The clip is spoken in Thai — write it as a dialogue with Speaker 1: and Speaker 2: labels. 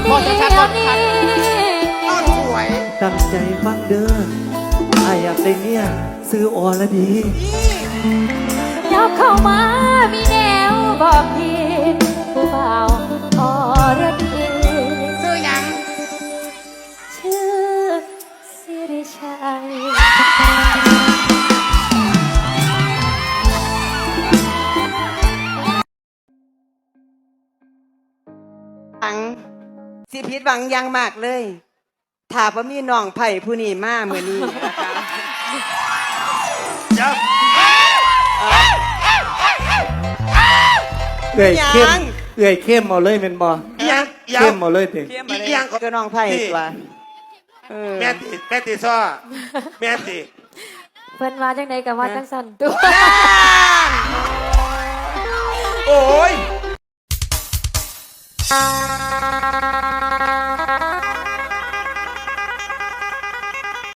Speaker 1: เดียวนี้
Speaker 2: อ้อนสวย
Speaker 3: ตั้งใจฟังเด้อไออยากได้เมียซื้ออรดี
Speaker 1: ยับเข้ามามีแนวบอกพี่ผู้เบาอรดี
Speaker 2: ซื้อยัง
Speaker 1: ชื่อสิริชัย
Speaker 4: สิผิดหวังยังมากเลยถ้าบ่มีน้องไผ่ผู้นี้มาเมื่อนี้นะคะ
Speaker 2: จับ
Speaker 3: เอื่อยเข้มเอาเลยเป็นบ่
Speaker 2: ยัง
Speaker 3: เข้มเอาเลยเด็ก
Speaker 4: ยังก็น้องไผ่ตัว
Speaker 2: แม่ติซ้อแม่ติ
Speaker 1: เพิ่นว่าจังไดกับว่าจังสั่นตัว
Speaker 2: โอ้ย